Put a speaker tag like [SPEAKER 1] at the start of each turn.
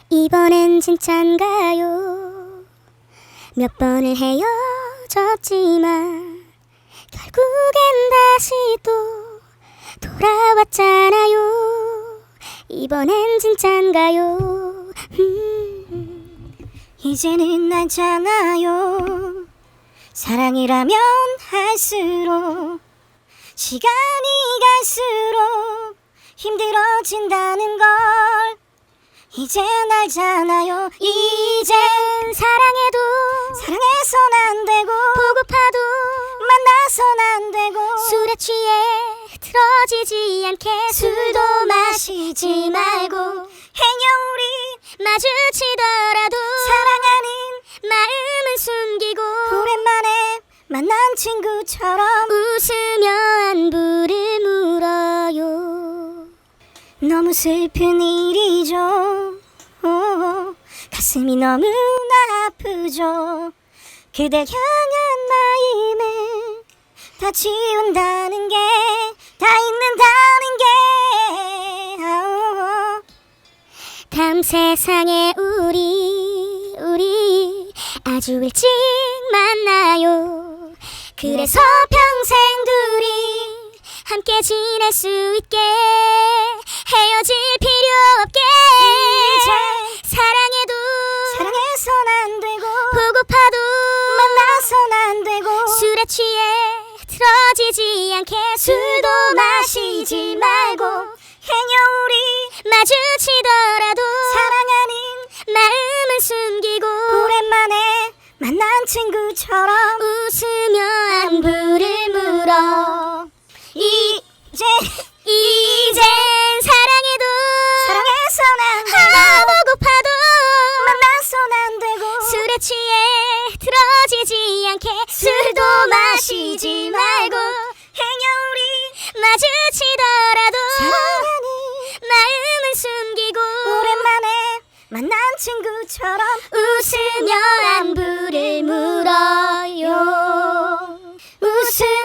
[SPEAKER 1] 이번엔 진짠가요? 몇 번을 헤어졌지만 결국엔 다시 또 돌아왔잖아요. 이번엔 진짠가요? 이제는 알잖아요. 사랑이라면 할수록 시간이 갈수록 힘들어진다는 걸 이젠 알잖아요. 이젠 사랑해도 사랑해선 안 되고 보고파도 만나선 안 되고 술에 취해 틀어지지 않게 술도 마시지 말고 행여 우리 마주치더라도 사랑하는 마음은 숨기고 오랜만에 만난 친구처럼 웃으며 안부를 물어요. 너무 슬픈 일이죠. 가슴이 너무나 아프죠. 그댈 향한 마음을 다 지운다는 게 다 잊는다는 게 다음 세상에 우리 아주 일찍 만나요. 그래서 평생 둘이 함께 지낼 수 있게 헤어질 필요 없게 이제 사랑해도 사랑해선 안 되고 보고파도 만나선 안 되고 술에 취해 틀어지지 않게 술도 마시지 말고 행여 우리 마주치더라도 사랑하는 마음은 숨기고 오랜만에 만난 친구처럼 웃으며 안부를 물어 이젠 사랑해도 사랑해선 안 되고 보고파도 만나선 안 되고 술에 취해 틀어지지 않게 술도 마시지 말고 행여 우리 마주치더라도 사랑하는 마음은 숨기고 오랜만에 만난 친구처럼 웃으며 안부를 물어요. 웃으며